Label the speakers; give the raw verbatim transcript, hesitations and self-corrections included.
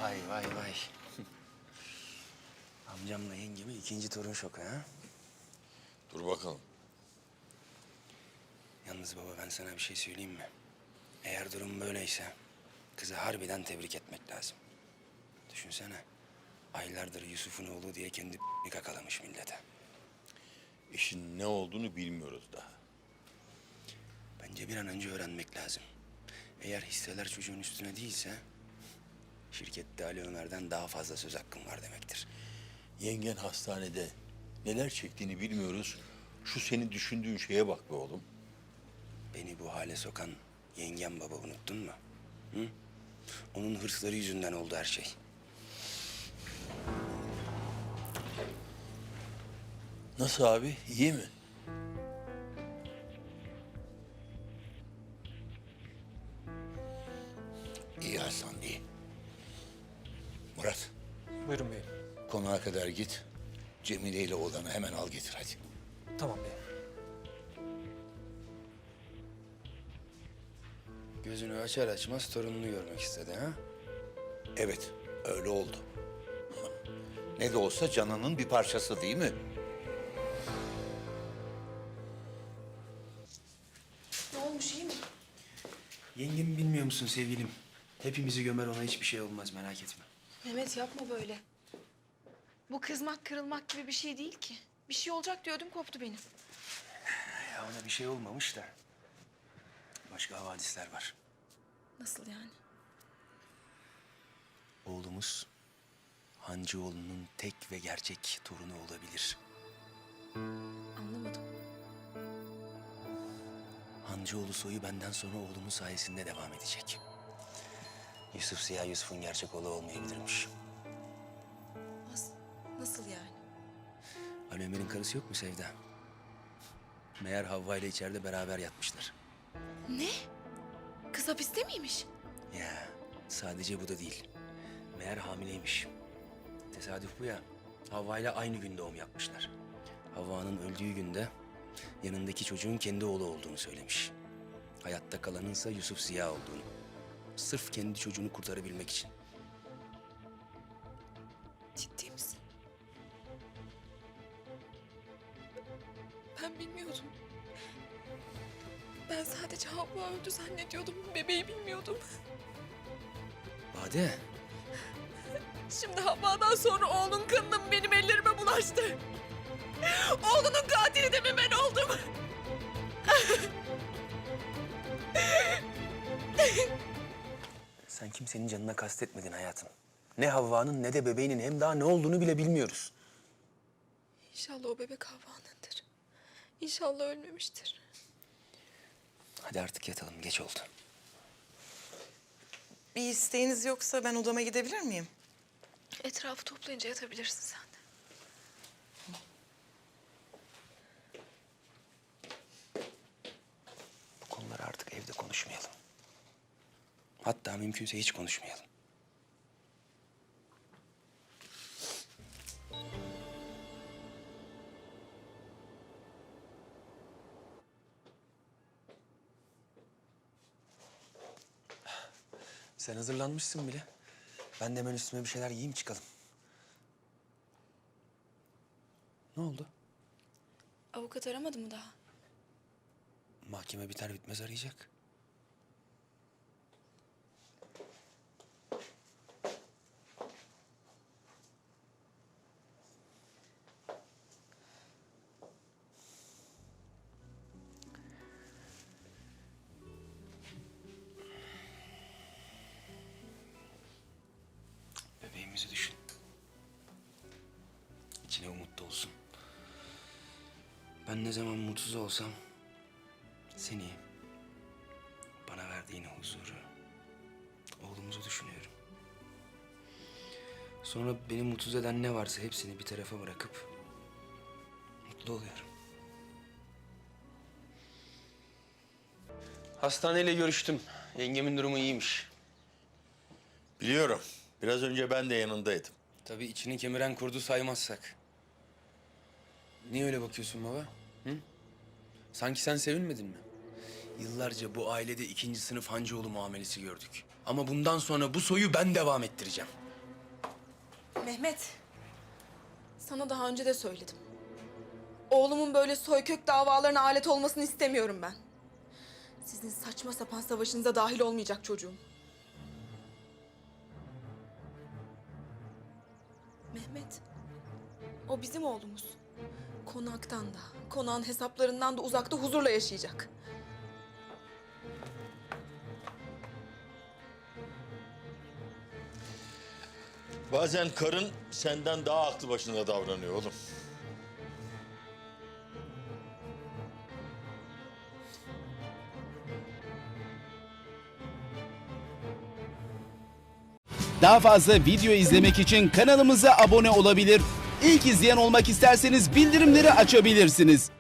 Speaker 1: Vay vay vay. Amcamla yengeme ikinci torun şoku ha?
Speaker 2: Dur bakalım.
Speaker 1: Yalnız baba ben sana bir şey söyleyeyim mi? Eğer durum böyleyse kızı harbiden tebrik etmek lazım. Düşünsene. Aylardır Yusuf'un oğlu diye kendi kakalamış millete.
Speaker 2: İşin ne olduğunu bilmiyoruz daha.
Speaker 1: Bence bir an önce öğrenmek lazım. Eğer hisseler çocuğun üstüne değilse... ...şirkette Ali Ömer'den daha fazla söz hakkım var demektir.
Speaker 2: Yengen hastanede neler çektiğini bilmiyoruz. Şu senin düşündüğün şeye bak be oğlum.
Speaker 1: Beni bu hale sokan yengem baba unuttun mu? Hı? Onun hırsları yüzünden oldu her şey.
Speaker 2: Nasıl abi? İyi mi? İyi Hasan, iyi. Murat,
Speaker 3: Buyurun beyim.
Speaker 2: konağa kadar git. Cemile ile oğlanı hemen al getir hadi.
Speaker 3: Tamam beyim.
Speaker 1: Gözünü açar açmaz torununu görmek istedi ha?
Speaker 2: Evet, öyle oldu. Ne de olsa canının bir parçası değil mi?
Speaker 4: Ne olmuş, iyi mi?
Speaker 1: Yengemi bilmiyor musun sevgilim? Hepimizi gömer, ona hiçbir şey olmaz, merak etme.
Speaker 4: Mehmet yapma böyle. Bu kızmak, kırılmak gibi bir şey değil ki. Bir şey olacak diyordum, koptu benim.
Speaker 1: Ya ona bir şey olmamış da başka havadisler var.
Speaker 4: Nasıl yani?
Speaker 1: Oğlumuz Hancıoğlu'nun tek ve gerçek torunu olabilir.
Speaker 4: Anlamadım.
Speaker 1: Hancıoğlu soyu benden sonra oğlumun sayesinde devam edecek. Yusuf Ziya Yusuf'un gerçek oğlu olmayabilirmiş.
Speaker 4: Nasıl, nasıl yani?
Speaker 1: Ali Ömer'in karısı yok mu Sevda? Meğer Havva ile içeride beraber yatmışlar.
Speaker 4: Ne? Kız hapiste miymiş?
Speaker 1: Ya sadece bu da değil. Meğer hamileymiş. Tesadüf bu ya. Havva ile aynı gün doğum yapmışlar. Havva'nın öldüğü günde yanındaki çocuğun kendi oğlu olduğunu söylemiş. Hayatta kalanınsa Yusuf Ziya olduğunu. Sırf kendi çocuğunu kurtarabilmek için.
Speaker 4: Ciddi misin? Ben bilmiyordum. Ben sadece Havva öldü zannediyordum. Bebeği bilmiyordum.
Speaker 1: Bade.
Speaker 4: Şimdi Havva'dan sonra oğlun kanının benim ellerime bulaştı. Oğlunun katili de mi ben oldum?
Speaker 1: Sen kimsenin canına kastetmedin hayatım. Ne Havva'nın ne de bebeğinin, hem daha ne olduğunu bile bilmiyoruz.
Speaker 4: İnşallah o bebek Havva'nındır. İnşallah ölmemiştir.
Speaker 1: Hadi artık yatalım, geç oldu.
Speaker 5: Bir isteğiniz yoksa ben odama gidebilir miyim?
Speaker 4: Etrafı toplayınca yatabilirsin sen de.
Speaker 1: Bu konuları artık evde konuşmayalım. Hatta mümkünse hiç konuşmayalım. Sen hazırlanmışsın bile. Ben de hemen üstüme bir şeyler giyeyim çıkalım. Ne oldu?
Speaker 4: Avukat aramadı mı daha?
Speaker 1: Mahkeme biter bitmez arayacak. Bebeğimizi düşün. İçine umut dolsun. Ben ne zaman mutsuz olsam seni, bana verdiğin huzuru, oğlumuzu düşünüyorum. Sonra beni mutsuz eden ne varsa hepsini bir tarafa bırakıp mutlu oluyorum. Hastaneyle görüştüm. Yengemin durumu iyiymiş.
Speaker 2: Biliyorum. Biraz önce ben de yanındaydım.
Speaker 1: Tabii içini kemiren kurdu saymazsak. Niye öyle bakıyorsun baba? Hı? Sanki sen sevinmedin mi? Yıllarca bu ailede ikinci sınıf Hancıoğlu muamelesi gördük. Ama bundan sonra bu soyu ben devam ettireceğim.
Speaker 4: Mehmet, sana daha önce de söyledim. Oğlumun böyle soykök davalarına alet olmasını istemiyorum ben. Sizin saçma sapan savaşınıza dahil olmayacak çocuğum. Mehmet, o bizim oğlumuz. Konaktan da, konağın hesaplarından da uzakta huzurla yaşayacak.
Speaker 6: Bazen karın senden daha aklı başında davranıyor oğlum.
Speaker 7: Daha fazla video izlemek için kanalımıza abone olabilir. İlk izleyen olmak isterseniz bildirimleri açabilirsiniz.